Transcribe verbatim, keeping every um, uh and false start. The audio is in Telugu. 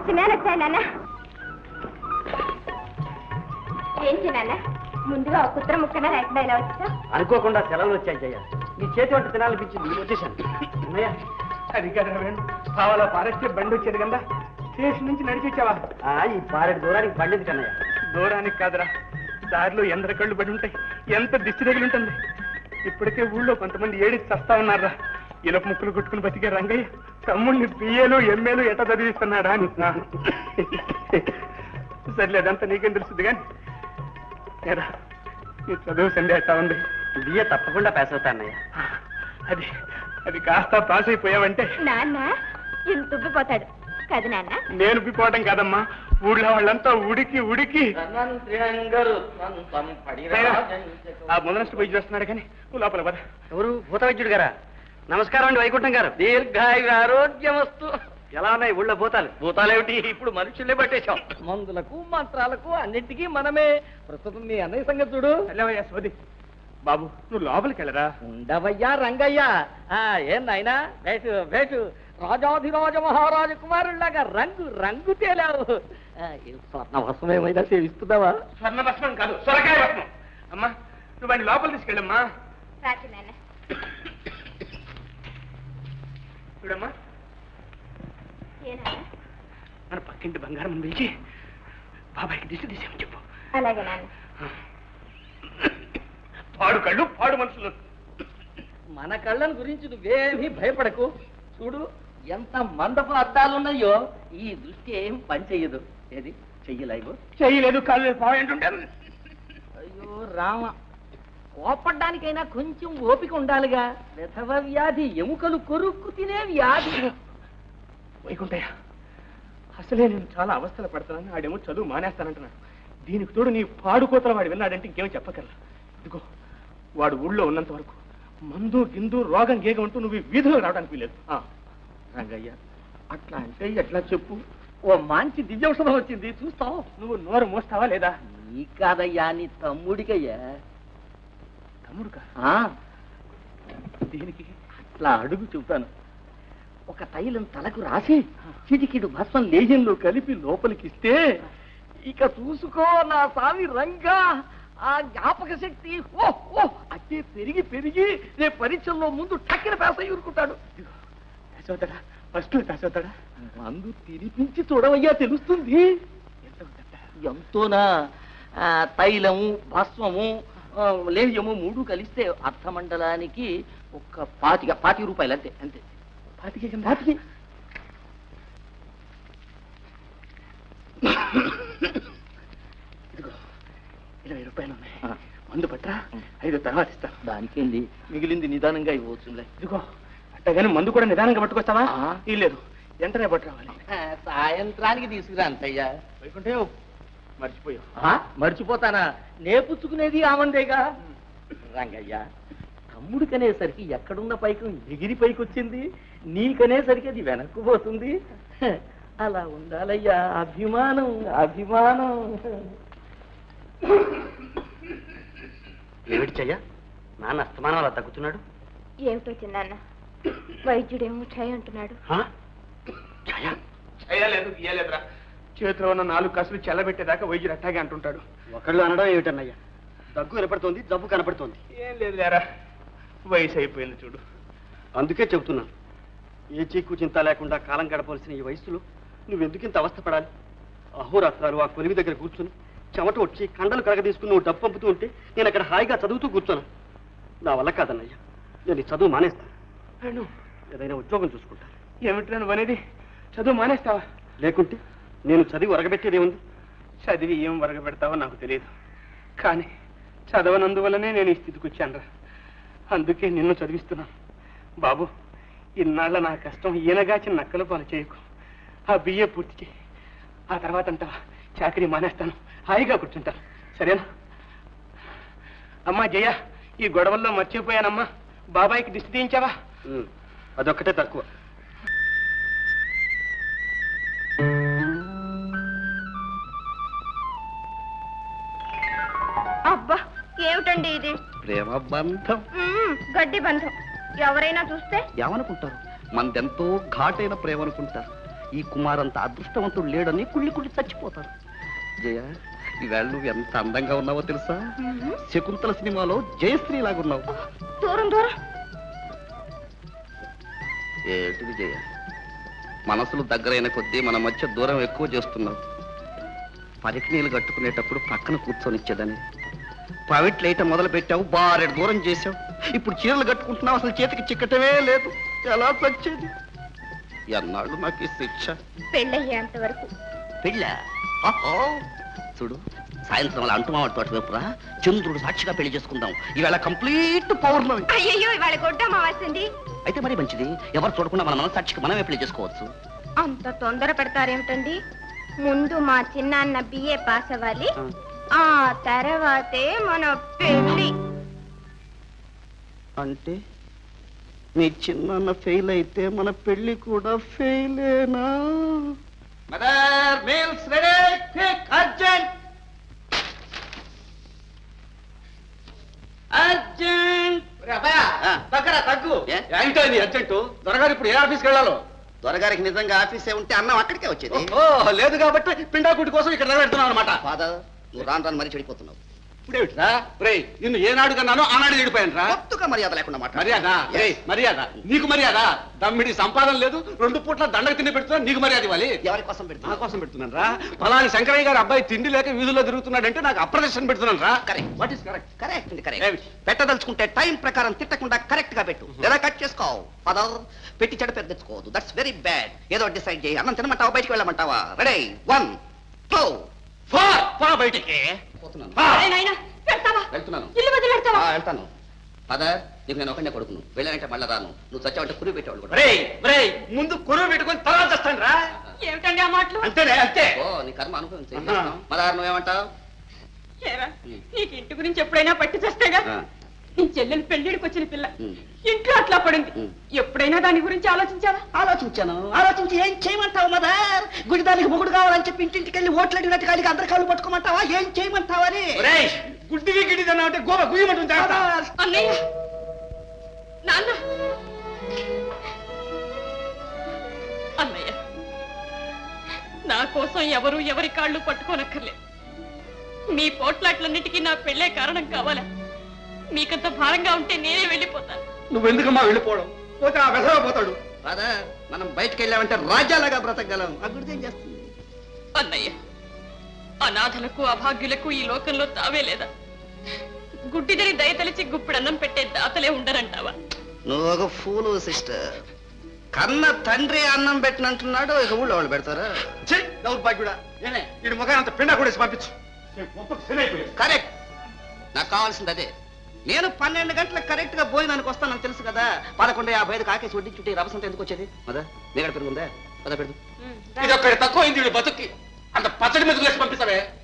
నేను వచ్చాను నాన్న. ఏంటి నాన్న ముందుగా ఒక కుత్ర ముక్కన లేకుండా ఇలా వచ్చా? అనుకోకుండా సెలవులు వచ్చాయి జయ. నీ చేతి వంట తినాలనిపించింది, వచ్చేసాను. అన్నయ్య అది కదా వేణు, కావాలా పారేస్తే బండి వచ్చేది కదా, స్టేషన్ నుంచి నడిచి వచ్చావా? ఈ పారెడు దూరానికి బండి కన్నయ్య. దూరానికి కాదురా, దారిలో ఎందర కళ్ళు పడి ఉంటాయి, ఎంత దిష్టి తగిలి ఉంటుంది. ఇప్పటికే ఊళ్ళో కొంతమంది ఏడికి చస్తా ఉన్నారా. ఇలప ముక్కులు కొట్టుకుని బతికే రంగయ్య తమ్ముడిని పిఏలు ఎంఏలు ఎట చదివిస్తున్నాడా అని. సర్లే, అదంతా నీకేం తెలుస్తుంది కానీ నీ చదువు సండే ఎట్టా ఉంది? బియ్య తప్పకుండా పాస్ అవుతా అన్నయ్య. అది అది కాస్త పాస్ అయిపోయావంటే నాన్న ఇంత ఉబ్బిపోతాడు కదా నాన్న. నేను ఉబ్బిపోవటం కాదమ్మా, ఊళ్ళో వాళ్ళంతా ఉడికి ఉడికి ఆ ముందనಷ್ಟು పోయి చేస్తున్నాడు కానీ నువ్వు లోపల పద. ఎవరు? భూత వైద్యుడు గారా? నమస్కారం అండి వైకుంఠం గారు. దీర్ఘాయురారోగ్యమస్తు. ఎలా ఉన్నాయి ఊళ్ళో భూతాలు? భూతాలేమిటి, ఇప్పుడు మనుషుల్నే పట్టేశాం. మందులకు మంత్రాలకు అన్నింటికీ మనమే. ప్రస్తుతం మీ అన్నయ్య సంగతి చూడు. వెళ్ళవయ్యా సోది. బాబు నువ్వు లోపలికి వెళ్ళరా. ఉండవయ్యా రంగయ్య. ఆ ఏం నాయనా, వేటు వేటు రాజాధిరాజ మహారాజ కుమారుల్లాగా రంగు రంగు తేలావు. స్వర్ణ భస్మం ఏమైనా సేవిస్తున్నావా? స్వర్ణ భస్మం కాదు, సొరకాయ భస్మం. అమ్మా నువ్వు వాడిని లోపల తీసుకెళ్ళమ్మా. రాజు నాన్న చూడమ్మా, ఏనా మన పక్కింటి బంగారం పిలిచి బాబాయ్కి దిశ తీసేమని చెప్పు. అలాగే నాన్న. పాడు కళ్ళు పాడు మనుషులు. మన కళ్ళను గురించి నువ్వేమీ భయపడకు. చూడు ఎంత మందపు అద్దాలున్నాయో, ఈ దృష్టి ఏం పని చెయ్యదు. ఏది చెయ్యలేవు? చెయ్యలేదు, కాళ్ళు పాయింటుంటే. అయ్యో రామ, కోపడ్డానికైనా కొంచెం ఓపిక ఉండాలిగా. విధవ వ్యాధి, ఎముకలు కొరుక్కు తినే వ్యాధి. వైకుంఠయ్య, అసలే నేను చాలా అవస్థలు పడుతున్నాను. ఆడేమో చదువు మానేస్తానంటున్నాడు. దీనికి తోడు నీ పాడుకోతల వాడు విన్నాడంటే ఇంకేమో చెప్పగలరా. ఇదిగో వాడు ఊళ్ళో ఉన్నంత వరకు మందు గిందు రోగం గేగ ఉంటూ నువ్వు వీధిలో రావడానికి వీలేదు. రంగయ్య అట్లా అంటే ఎట్లా చెప్పు. ఓ మంచి దివ్యౌషధం వచ్చింది, చూస్తావు. నువ్వు నోరు మోస్తావా లేదా? నీ కాదయ్యా, నీ తమ్ముడికయ్యా. తమ్ముడుకా? దీనికి అట్లా అడుగు చెబుతాను. ఒక తైలం తలకు రాసి చిటికిడు భస్మం లేజంలో కలిపి లోపలికిస్తే ఇక చూసుకో నా స్వామి రంగా, ఆ జ్ఞాపక శక్తి ఓ ఓ అట్టే పెరిగి పెరిగి రేపు పరీక్షల్లో ముందు టక్కిన పేస ఊరుకుంటాడు. పేసవుతాడా? ఫస్ట్ పేసవుతాడా? మందు తినిపించి చూడవయ్యా, తెలుస్తుంది. ఎంతోనా? తైలము భస్మము లేహ్యము మూడు కలిస్తే అర్థమండలానికి ఒక పాతిక పాతిక రూపాయలు అంతే. అంతే పాతిక పాతికి. ఇదిగో ఇరవై రూపాయలు ఉన్నాయి, మందు పట్రా. ఐదు తర్వాత ఇస్తా. దానికేంది, మిగిలింది నిదానంగా ఇవ్వచ్చులే. ఇదిగో అట్టగానే మందు కూడా నిదానంగా పట్టుకొస్తావా? లేదు, వెంటనే పట్టు రావాలి. సాయంత్రానికి తీసుకురా అంతయ్యా. వైకుంఠే మర్చిపోయావు. మర్చిపోతానా? నేపుచ్చుకునేది ఆమందేగా. రంగయ్య, తమ్ముడికనేసరికి ఎక్కడున్న పైకి ఎగిరి పైకి వచ్చింది, నీకనేసరికి అది వెనక్కు పోతుంది. అలా ఉండాలయ్యా, అభిమానం అభిమానం. ఏమిటి చెయ్య, నాన్న అస్తమానం అలా తగ్గుతున్నాడు? ఏమిటో చిన్నాన్న, వైద్యుడేమో ఛాయ్ అంటున్నాడు. చేయలేదు గీయలేదురా, చేతిలో ఉన్న నాలుగు కసులు చెల్లబెట్టేదాకా వైద్యుడు అట్టాగే అంటుంటాడు. ఒకళ్ళు అనడం ఏమిటన్నయ్యా, దగ్గు కనపడుతోంది, జబ్బు కనపడుతోంది. ఏం లేదు లేరా, వయసు అయిపోయింది చూడు. అందుకే చెబుతున్నాను, ఏ చీకు చింత లేకుండా కాలం గడపవలసిన ఈ వయసులో నువ్వెందుకింత అవస్థపడాలి? అహోరాత్రాలు ఆ కొలివి దగ్గర కూర్చుని చెమట వచ్చి కండలు కరగ తీసుకుని నువ్వు డబ్బు పంపుతూ ఉంటే నేను అక్కడ హాయిగా చదువుతూ కూర్చోను. నా వల్ల కాదన్నయ్యా, నేను ఈ చదువు మానేస్తాను. ఏదైనా ఉద్యోగం చూసుకుంటాను. ఏమిటి నువ్వు అనేది? చదువు మానేస్తావా? లేకుంటే నేను చదివి వరగబెట్టేదేముంది? చదివి ఏం వరగబెడతావో నాకు తెలియదు, కానీ చదవనందువల్లనే నేను ఈ స్థితికి వచ్చానురా. అందుకే నిన్ను చదివిస్తున్నాను. బాబు, ఇన్నాళ్ళ నా కష్టం ఈయనగాచి నక్కల పాలు చేయకు. ఆ బియ్య పూర్తి చేయి, ఆ తర్వాత అంటావా చాకరీ మానేస్తాను, హాయిగా కూర్చుంటాను. సరేనా? అమ్మా జయ, ఈ గొడవల్లో మర్చిపోయానమ్మా, బాబాయ్కి దిష్టి తీయించావా? అదొక్కటే తక్కువ. అబ్బా ఏమిటండి ఇది? ప్రేమ బంధం, గడ్డి బంధం. ఎవరైనా చూస్తే ఏమనుకుంటారు? మనదెంతో ఘాటైన ప్రేమ అనుకుంటారు. ఈ కుమారంత అదృష్టవంతుడు లేడని కుళ్ళి కుళ్ళి చచ్చిపోతారు. జయ, ఈవేళ నువ్వు ఎంత అందంగా ఉన్నావో తెలుసా? శకుంతల సినిమాలో జయశ్రీ లాగున్నావు. దూరం దూరం. ఏంటిది జయ, మనసులు దగ్గరైన కొద్దీ మన మధ్య దూరం ఎక్కువ చేస్తున్నావు. పరికి నీళ్ళు కట్టుకునేటప్పుడు పక్కన కూర్చొనిచ్చేదని ప్రైవేట్ లైట్ మొదలు పెట్టావు, బారెడు దూరం చేసావు. ఇప్పుడు చీరలు కట్టుకుంటున్నావు, అసలు చేతికి చిక్కటమే లేదు. ఎలా వచ్చేది? ఎన్నాళ్ళు నాకు ఈ శిక్ష? పెళ్ళయ్యేంత వరకు. పెళ్ళ? చూడు, సాయంత్రం అలా అంటుమావాడి తోట వైపురా చంద్రుడు సాక్షిగా పెళ్లి చేసుకుందాం. ఈవేళ కంప్లీట్ పౌర్ణమి. అయ్యయ్యో, ఇవాళ గొడ్డ అమావాస్యండి. అయితే మరి మంచిది, ఎవరు చూడకుండా మన మన సాక్షికి మనమే పెళ్లి చేసుకోవచ్చు. అంత తొందర పెడతారేమిటండి? ముందు మా చిన్నాన్న బిఏ పాస్ అవ్వాలి, ఆ తర్వాతే మన పెళ్లి. అంటే మీ చిన్న ఫెయిల్ అయితే మన పెళ్లి కూడా ఫెయిలేనా? Mother, meals ready, quick, urgent urgent. దగ్గర తగ్గు. ఏ? ఏంటో ఇది అర్జెంటు? దొరగారు ఇప్పుడు ఏ ఆఫీస్కి వెళ్ళాలో? దొరగారికి నిజంగా ఆఫీసే ఉంటే అన్నం అక్కడికే వచ్చేది. ఓ, లేదు కాబట్టి పిండాకుటి కోసం ఇక్కడ నిలబెడుతున్నావు అనమాట. ఫాదర్, నువ్వు రాను రాను మరీ చెడిపోతున్నావు. ఇప్పుడేమిట్రా రే, నిన్ను ఏనాడు కన్నానో ఆనాడు చెడిపోయాను రా. కొత్తగా మర్యాద లేకుండా మాట. మర్యాద రే, మర్యాద నీకు మర్యాద. దమ్మిడి సంపాదన లేదు, రెండు పూట్ల దండకు తిండి పెడుతున్నా, నీకు మర్యాద ఇవ్వాలి. ఎవరి కోసం నా పెడుతున్నా? కోసం పెడుతున్నాను రా. ఫలాని శంకరయ్య గారు అబ్బాయి తిండి లేక వీధుల్లో తిరుగుతున్నాడంటే నాకు అప్రదర్శన పెడుతున్నాను రా. Correct. What is correct? Correct అండి, ఏమిటి? కరెక్ట్. పెట్టదలుచుకుంటే టైం ప్రకారం తిట్టకుండా కరెక్ట్ గా పెట్టు, లేదా కట్ చేసుకోవు. ఫాదర్, పెట్టి చెడు పెద్ద తెచ్చుకోవద్దు. That's very bad. ఏదో డిసైడ్ చేయి. అన్నం తినమంటావా, బయటికి వెళ్ళమంటావా? Ready, one two four. పో బయటికి. పోతున్నాను. పో. నాయనా, పెడతావా? వెళ్తున్నాను. ఇల్లు వదిలి పెడతావా? ఆ, వెళ్తాను. ఫాదర్, నీకు నేను ఒకటే కొడుకును. వెళ్ళానంటే మళ్ళా రాను. నువ్వు చచ్చావంటే కురి పెట్టేవాళ్ళు కూడా. రే రే, ముందు కొరువు పెట్టుకొని తర్వాత చేస్తాను రా. ఏమిటండి ఆ మాటలు? అంతేనే, అంతే. ఓ, నీ కర్మ అనుభవించు. ఏం ఆహా. చేస్తాం? మదార్, నువ్వేమంటావు? ఏరా, నీకు ఇంటి గురించి ఎప్పుడైనా పట్టి చేస్తేగా? ఆ. నీ చెల్లెలు పెళ్లిడికి వచ్చిన పిల్ల ఉమ్. ఇంట్లో అట్లా పడింది. ఉమ్. ఎప్పుడైనా దాని గురించి ఆలోచించావా? ఆలోచించాను. ఆలోచించి ఏం చేయమంటావు మదర్? గుడిదానికి మొగుడు కావాలని చెప్పి ఇంటింటికి వెళ్ళి ఓట్లు అడిగినట్టు కాడికి అందరి కాళ్ళు పట్టుకోమంటావా? ఏం చేయమంటావని? రే, గుడ్డివి గిడ్డిది అన్నా అంటే గోవ గుయ్యమంటుంది జాగ్రత్త. అన్నయ్య, నాన్న, అన్నయ్య, నా కోసం ఎవరు ఎవరి కాళ్ళు పట్టుకోనక్కర్లేదు. మీ పోట్లాట్లన్నిటికీ నా పెళ్ళే కారణం కావాలా? మీకంత భారంగా ఉంటే నేనే వెళ్ళిపోతాను. నువ్వెందుకమ్మా వెళ్ళిపోవడం? పోతే ఆ వెధవ పోతాడు. ఫాదర్, మనం బయటకు వెళ్ళామంటే రాజ్యాలుగా బ్రతకగలం. ఆ గుడిది ఏం చేస్తుంది? అన్నయ్య, అనాథలకు అభాగ్యులకు ఈ లోకంలో తావే లేదా? గుడ్డిదని దయతలిచి గుప్పిడన్నం పెట్టే దాతలే ఉండరంటావా? నువ్వు ఒక ఫూలు సిస్టర్. కన్న తండ్రి అన్నం పెట్టినంటున్నాడు, ఇక ఊళ్ళో వాళ్ళు పెడతారా? చెయ్ దౌర్భాగ్యుడా. నేనే వీడి ముఖాన్ని అంత పిండా కూడా పంపించు. కరెక్ట్. నాకు కావాల్సింది అదే. నేను పన్నెండు గంటలకు కరెక్ట్ గా భోజనానికి వస్తానని తెలుసు కదా. పదకొండు యాభై ఐదు కాకేసి వడ్డీ చుట్టి రవసంత ఎందుకు వచ్చేది? మదా నీగడ పెరుగుందా? పద పెడుతు. ఇది ఒక్కడి తక్కువ అయింది వీడి బతుక్కి. అంత పచ్చడి మీద వేసి పంపిస్తావే.